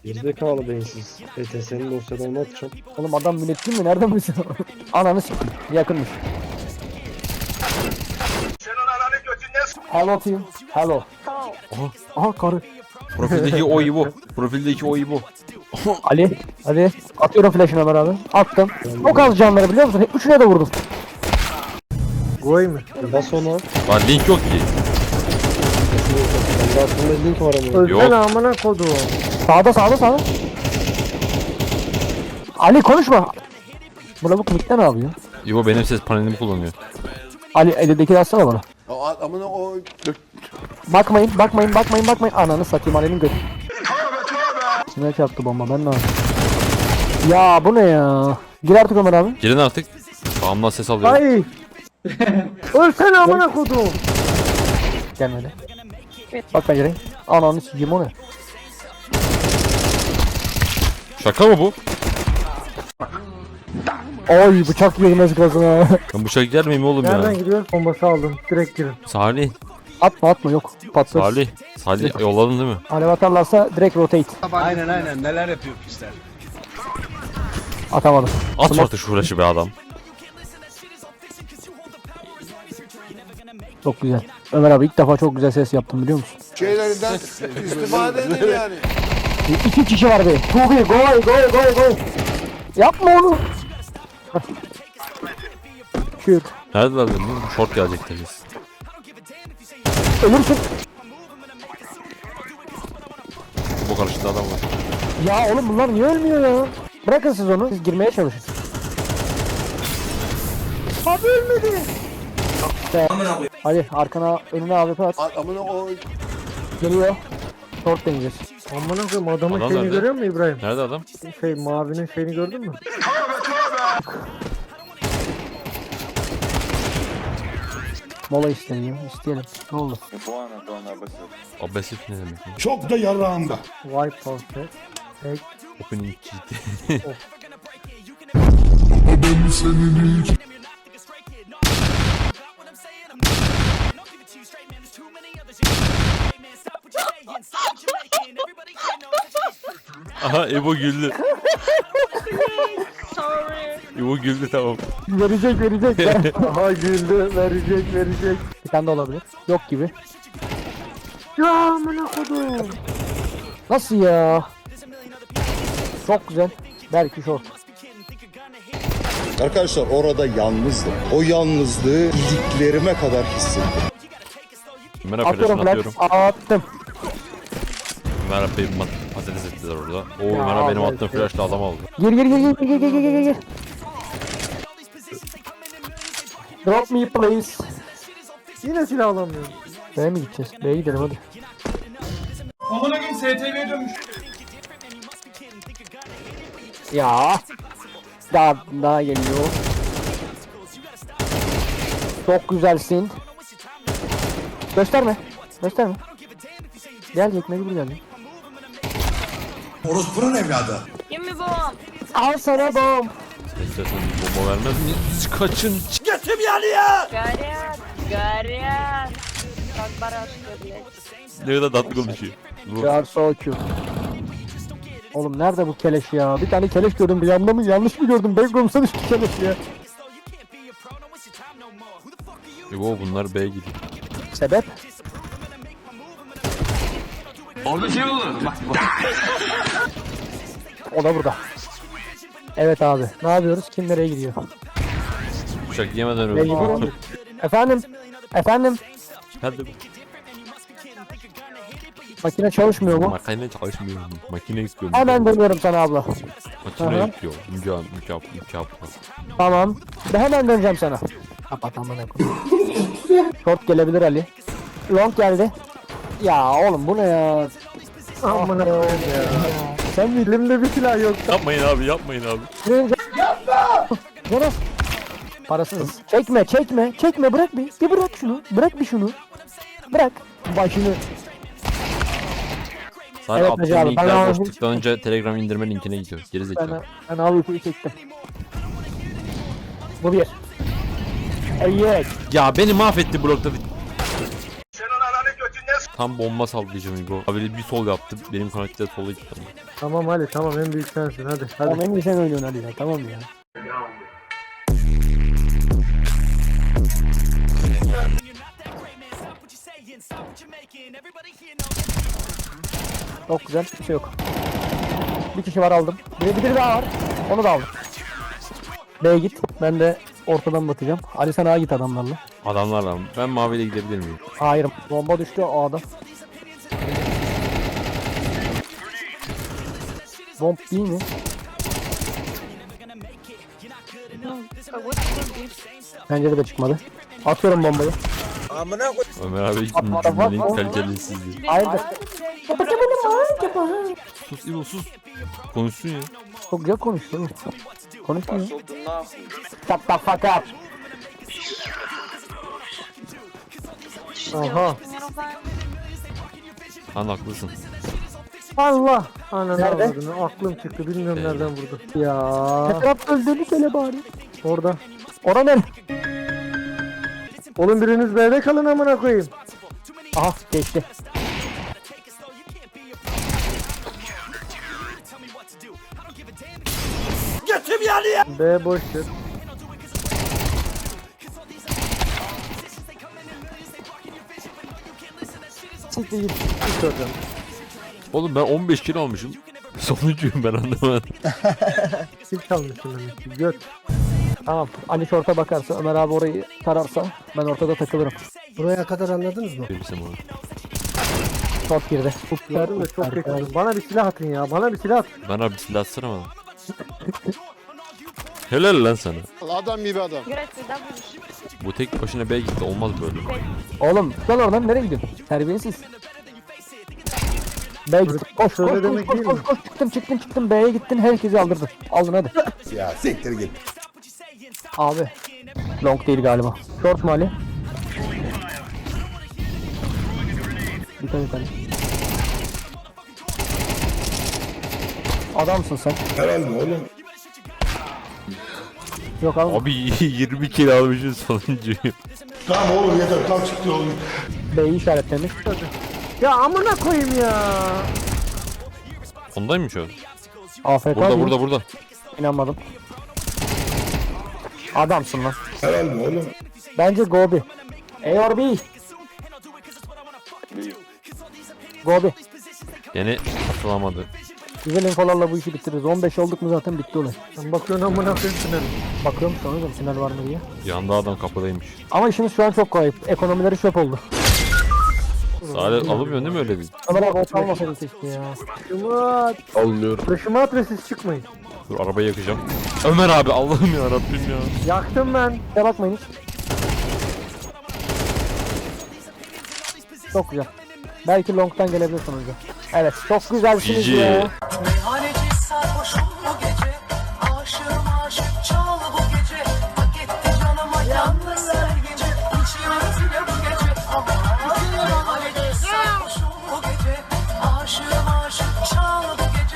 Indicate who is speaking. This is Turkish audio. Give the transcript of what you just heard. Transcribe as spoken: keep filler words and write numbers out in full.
Speaker 1: Gerizekalı beyinsiz. E T S'nin dosyadan ne atacağım?
Speaker 2: Oğlum adam müneccim mi? Nereden bilsin? Ananı s**tim. Yakınmış. Hello team. Hello. Aha, aha karı.
Speaker 3: Profildeki o İbo. Profildeki o İbo.
Speaker 2: Ali. Ali. Atıyorum flash'ını Ömer abi. Attım. Çok az canları biliyor musun? Üçüne de vurdum.
Speaker 1: Goy mu? Bas ona.
Speaker 3: Lan link yok ki.
Speaker 1: Bende aklımda link var ama.
Speaker 3: Yok.
Speaker 2: Ölsene amına kodum. Sağda sağda sağda. Ali konuşma. Bu lavuk mikten ne yapıyor?
Speaker 3: İbo benim ses panelimi kullanıyor.
Speaker 2: Ali elindeki de atsana bana.
Speaker 4: Amına o
Speaker 2: Bakmayın, bakmayın, bakmayın, bakmayın. Ananı satayım Ali'nin götü. Kime çarptı bomba ben ne yapayım? Ya bu ne ya? Gir artık Ömer abi.
Speaker 3: Girin artık. Sağımdan ses alıyorum.
Speaker 2: Ay. Ölsene amına kodum. Gelmedi. Bak ben gireyim. Ananı sikeyim o ne?
Speaker 3: Şaka mı bu?
Speaker 2: Ay bıçak girmez gazına.
Speaker 3: Ben bıçak yer miyim oğlum ya?
Speaker 2: gidiyoruz? Bombası aldım. Direkt girin.
Speaker 3: Salih.
Speaker 2: Atma atma yok. Patlar.
Speaker 3: Salih. Salih yolladın değil mi?
Speaker 2: Alev atarlarsa direkt rotate.
Speaker 4: aynen aynen neler yapıyor pisler.
Speaker 2: Atamadım.
Speaker 3: At artık şu flash'ı be adam.
Speaker 2: Çok güzel. Ömer abi ilk defa çok güzel ses yaptım biliyor musun?
Speaker 4: Şeylerinden istifade edin yani.
Speaker 2: İki kişi var be. Çok iyi. Goy goy goy goy. Yapma onu. Kürt.
Speaker 3: Neredeler dedim? Short gelecek deriz.
Speaker 2: Ölürsün.
Speaker 3: Bu karşıda adam var.
Speaker 2: Ya oğlum bunlar niye ölmüyor ya? Bırakın siz onu. Siz girmeye çalışın. Abi ölmedi. İşte. Hadi arkana önüne A W P at.
Speaker 4: Amına o
Speaker 2: Geliyor. Short deneyeceğiz. Amına koyayım adamın
Speaker 3: Adam
Speaker 2: şeyini
Speaker 3: nerede?
Speaker 2: görüyor musun İbrahim?
Speaker 3: Nerede adam?
Speaker 2: Şey mavinin şeyini gördün mü? Mola isteyelim, isteyelim. Ne oldu?
Speaker 3: Abesif ne demek? ya?
Speaker 5: Çok da yarağımda.
Speaker 2: White Pulse. Tek.
Speaker 3: Opening cheat. Aha İbo güldü. İbo güldü tamam.
Speaker 2: Verecek, verecek. Aha güldü, verecek, verecek. Bir tane de olabilir. Yok gibi. Ya amına kodum. Nasıl ya? Çok güzel. Belki short.
Speaker 5: Arkadaşlar orada yalnızdım. O yalnızlığı iliklerime kadar hissettim.
Speaker 3: Ömer
Speaker 2: Atıyorum
Speaker 3: flash'ını
Speaker 2: flash.
Speaker 3: atıyorum.
Speaker 2: Attım.
Speaker 3: Ömer abi mat- patates ettiler orada. O
Speaker 2: Ya
Speaker 3: Ömer abi benim
Speaker 2: abi,
Speaker 3: attığım
Speaker 2: şey-
Speaker 3: flash'la adam aldı.
Speaker 2: Gir gir gir gir gir gir gir gir gir. Drop me please. Yine silah alamıyorum. B'ye mi gideceğiz? B'ye gidelim hadi.
Speaker 6: Amına koyayım S T V'ye dönmüş.
Speaker 2: Ya. Daha daha geliyor. Çok güzelsin. Gösterme. Gösterme. Gelecek mecbur gelecek.
Speaker 5: Orospunun evladı.
Speaker 7: Give me bomb.
Speaker 2: Al sana bom.
Speaker 3: İstersen bir bomba vermez mi? Siz kaçın.
Speaker 7: Горят, горят. Как барашки, блядь.
Speaker 3: Ne kadar tatlı konuşuyor. Bu
Speaker 2: You are so cute. Oğlum nerede bu keleş ya? Bir tane keleş gördüm. Bir yanda mı yanlış mı gördüm? Backroom'sa düştü keleş ya.
Speaker 3: İbo bunlar B'ye gidiyor.
Speaker 2: Sebep?
Speaker 6: Orada şey olur. Bak bak.
Speaker 2: O da burada. Evet abi. Ne yapıyoruz? Kim nereye gidiyor?
Speaker 3: Bıçak yemeden
Speaker 2: Mecbur
Speaker 3: öldü.
Speaker 2: olduk. Efendim? Efendim?
Speaker 3: Hadi.
Speaker 2: Makine çalışmıyor mu?
Speaker 3: Makine çalışmıyor. Makine istiyorum.
Speaker 2: Hemen dönüyorum sana abla.
Speaker 3: Makine
Speaker 2: Aha.
Speaker 3: istiyor. Mükemmel, mükemmel, mükemmel.
Speaker 2: Tamam. Ben hemen döneceğim sana. Kapat amına koyayım. Short gelebilir Ali. Long geldi. Ya oğlum bu ne ya? Amına koyayım ya. Sen elimde bir silah yok.
Speaker 3: Yapmayın abi, yapmayın abi.
Speaker 2: Yapma. Jonas. Parasız. Çekme, çekme, çekme. Bırak bir. Bir bırak şunu. Bırak bir şunu. Bırak. Başını.
Speaker 3: Sana
Speaker 2: Evet,
Speaker 3: attığım
Speaker 2: Hacı abi, ben
Speaker 3: linkler
Speaker 2: aldım.
Speaker 3: boş tıklanınca Telegram indirme linkine gidiyor. Geri
Speaker 2: Ben,
Speaker 3: zekalı.
Speaker 2: ben al uykuyu çektim. Bu bir. Evet.
Speaker 3: Ya beni mahvetti blokta. Tam bomba sallayacağım İbo. Abi bir sol yaptı. Benim karakter sola gitti. ama.
Speaker 1: Tamam Ali tamam en büyük sensin hadi. Hadi.
Speaker 2: Tamam en iyi sen oynuyorsun hadi ya tamam ya. Çok güzel bir şey yok. Bir kişi var aldım. Bir, bir, bir daha var. Onu da aldım. B'ye git. Ben de ortadan batacağım. Ali sen A'ya git adamlarla.
Speaker 3: Adamlarla mı? Ben maviyle gidebilir miyim?
Speaker 2: Hayır. Bomba düştü A'da. Bomb değil mi? Pencere de çıkmadı. Atıyorum bombayı.
Speaker 3: Ömer abi
Speaker 2: Atma,
Speaker 3: cümlenin
Speaker 2: atma.
Speaker 3: kalitesizliği.
Speaker 2: Hayırdır?
Speaker 3: Sus İbo sus. Konuşsun ya.
Speaker 2: Çok güzel konuştu oğlum. Konuşmuyor. Shut the fuck up.
Speaker 1: Aha.
Speaker 3: Lan haklısın.
Speaker 1: Allah. Ananı
Speaker 2: Nerede?
Speaker 1: avradını. Aklım çıktı bilmiyorum
Speaker 3: Nerede?
Speaker 1: nereden vurdu.
Speaker 2: Ya. Ne tarafta öldüğünü söyle bari.
Speaker 1: Orada.
Speaker 2: Ora ne?
Speaker 1: Oğlum biriniz B'de kalın amına koyayım.
Speaker 2: Aha geçti.
Speaker 1: B boştur.
Speaker 2: Siktir git.
Speaker 1: Hiç hocam.
Speaker 3: Oğlum ben on beş kilo almışım. Sonuncuyum ben anlamadım.
Speaker 1: Hiç kalmışsın demek ki. Göt.
Speaker 2: Tamam. Ali şorta bakarsa, Ömer abi orayı tararsa ben ortada takılırım.
Speaker 1: Buraya kadar anladınız mı?
Speaker 3: Bizim onu.
Speaker 2: Short girdi.
Speaker 1: Yardım da çok kötü. Bana bir silah atın ya. Bana bir silah at.
Speaker 3: Ben abi silah atsana bana. Helal lan sana.
Speaker 4: Adam gibi adam.
Speaker 7: Grazie, W.
Speaker 3: Bu tek başına B'ye gitti olmaz böyle.
Speaker 2: Oğlum lan oradan nereye gidiyorsun? Terbiyesiz. B'ye git. Koş koş
Speaker 1: Öyle
Speaker 2: koş
Speaker 1: demek
Speaker 2: koş,
Speaker 1: değil
Speaker 2: koş,
Speaker 1: mi?
Speaker 2: koş çıktım çıktım çıktım B'ye gittin herkesi aldırdın. Aldın hadi.
Speaker 5: Ya siktir git.
Speaker 2: Abi. Long değil galiba. Short mu Ali? Dikkat et Ali. Adamsın sen.
Speaker 5: Herhalde oğlum.
Speaker 2: Yok abi.
Speaker 3: Abi yirmi kilo almışım sonuncuyum.
Speaker 5: Tamam oğlum yeter kalk çıktı oğlum.
Speaker 2: B'yi işaretlemiş.
Speaker 1: Ya amına koyayım ya.
Speaker 3: Ondaymış o.
Speaker 2: A F K
Speaker 3: Burada
Speaker 2: değil.
Speaker 3: burada burada.
Speaker 2: İnanmadım. Adamsın lan.
Speaker 5: Herhalde oğlum.
Speaker 2: Bence Gobi. A or B? Gobi.
Speaker 3: Yani atılamadı.
Speaker 2: Güzel infolarla bu işi bitiririz. on beş olduk mu zaten bitti olay.
Speaker 1: Sen bakıyorsun amına koyayım tünelim.
Speaker 2: Bakıyorum sonra da sinir var mı diye.
Speaker 3: Yanda adam kapıdaymış.
Speaker 2: Ama işimiz şu an çok kolay. Ekonomileri çöp oldu.
Speaker 3: Sade alınmıyor değil mi öyle bir?
Speaker 2: Ömer abi ot almasaydın keşke ya.
Speaker 1: Şumat.
Speaker 3: Almıyorum.
Speaker 1: Başıma at ve siz çıkmayın.
Speaker 3: Dur arabayı yakacağım. Ömer abi Allah'ım ya Rabbim ya.
Speaker 1: Yaktım ben.
Speaker 2: Ya bakmayın hiç. Çok güzel. Belki long'tan gelebilir sonucu. Evet çok güzelsiniz
Speaker 3: Cici.
Speaker 2: ya.